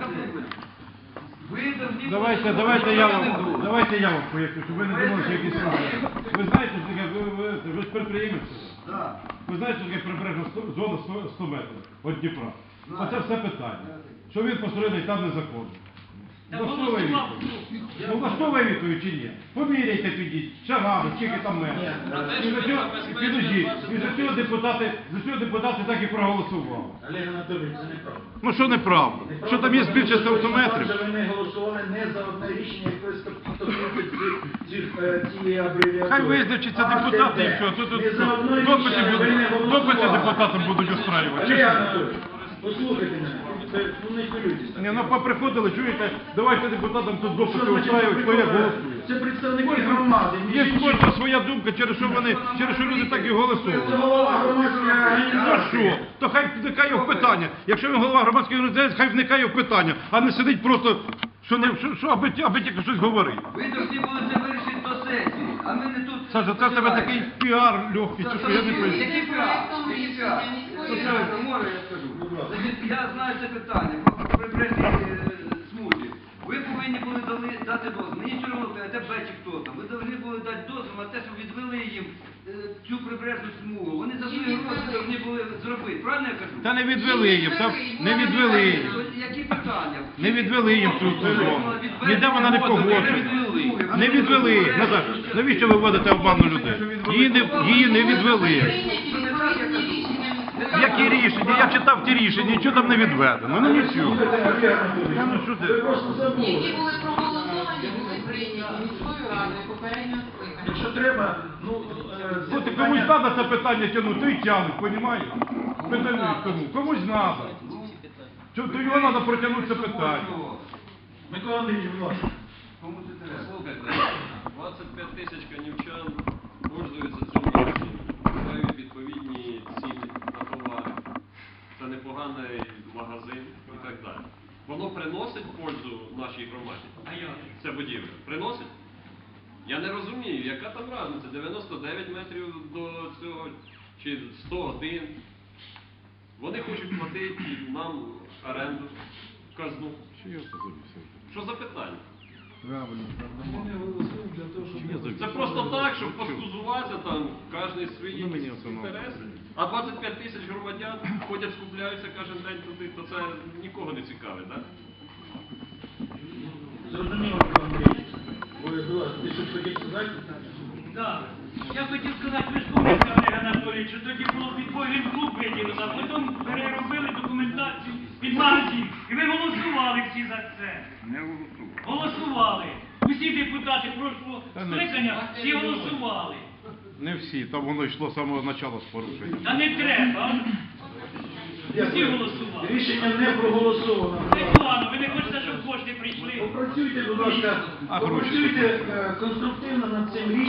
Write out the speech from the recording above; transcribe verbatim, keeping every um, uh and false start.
Давайте, давайте я вам, давайте я вам поясню, щоб ви не думали, що якісь проблеми. Ви знаєте, що таке, ви, ви, ви ж підприємець? Да. Ви знаєте, що таке прибережна сто- зона сто- сто метрів від Дніпра? Оце все питання. Що він построєний там незаконно. Влаштовує відповідь. Ну влаштовує відповідь чи ні? Поміряйте підіть, шагами, скільки там метрів. І за цього, підождіть, і за цього депутати, за цього депутати так і проголосували. Олег Анатолійович, це неправда. Ну що неправда? Що там є більше ста метрів? Тому що ви не голосували не за одне рішення, яке стосується цієї абревіатури. Хай визначаться А, депутати це і де? все. Тут, тут, Не за одне допити рішення ви будуть- не голосували. допити депутатам будуть устраювати. Олег Анатолійович, послухайте мене, це, ну не хвилюйтесь. Ні, ну поприходили, чуєте, давайте депутатам тут допити устраювати, хто як голосує. Це представники громади. Є кожна своя думка, через що вони, через що люди так і Це голосують. голова громадської Ну організації. що? То хай вникає в питання. Якщо він голова громадської організації, хай вникає в питання, а не сидить просто, що не що, що аби, аби тільки щось говорить. Ви повинні були це вирішити до сесії, а ми не тут... Саша, це в тебе такий піар легкий, чи що я не понял. Який піар? Який піар? Послухайте, може я скажу? Значить, я знаю це питання про прибережні е, смузі. Ви повинні були дали- дати дозвіл. Мені все одно, а тебе чи хто там. Ви повинні були дати дозвіл на те, щоб відвели їм е, цю прибережну смугу. Вони за свої гроші повинні були зробити. Правильно я кажу? Та не відвели їм, та не відвели їм. Які питання? Не відвели їм цю цю зону. Ніде вона не погоджена. Не відвели. Назар, навіщо ви вводите обману людей? Її не, її не відвели. Які рішення? Я читав ті рішення, нічого там не відведено. Ну нічого. Та ну що Ви ти? просто забули. Які були проголосовані, були прийняті міською радою попередньо скликання. Якщо треба, ну, е, це От і питання- комусь треба це питання тягнути, то й тягнуть, розумієш? Питання кому? Комусь треба. То його треба протягнути це питання. Микола Андрійович, будь ласка. Кому це треба? Слухайте, двадцять п'ять тисяч канівчан пользуються цим місцем, мають відповідні ціни на товари. Це непоганий магазин і так далі. Воно приносить пользу нашій громаді? Ця будівля. Приносить? Я не розумію, яка там разниця? дев'яносто дев'ять метрів до цього, чи сто один. Вони хочуть платити нам оренду, казну. Що за питання? Це просто так, щоб поскузуватися там, кожен свої інтереси. А двадцять п'ять тисяч громадян ходять, скупляються кожен день туди, то це нікого не цікавить, так? Зрозуміло, Микола Андрійович. Ви, будь ласка, ти щось хотів сказати? Так. Я хотів сказати, ви ж помните, Олег Анатолійович, що тоді було підпольний клуб виділено, а потім переробили документацію під магазин. І ви голосували всі за це. Не голосував. Голосували. Усі депутати прошлого Та не скликання всі голосували. Не всі, там воно йшло з самого початку з порушенням. Та не треба. Всі голосували. Рішення не проголосовано. Це погано, ви не хочете, щоб кошти прийшли. Попрацюйте, будь ласка, А гроші? попрацюйте е, конструктивно над цим рішенням.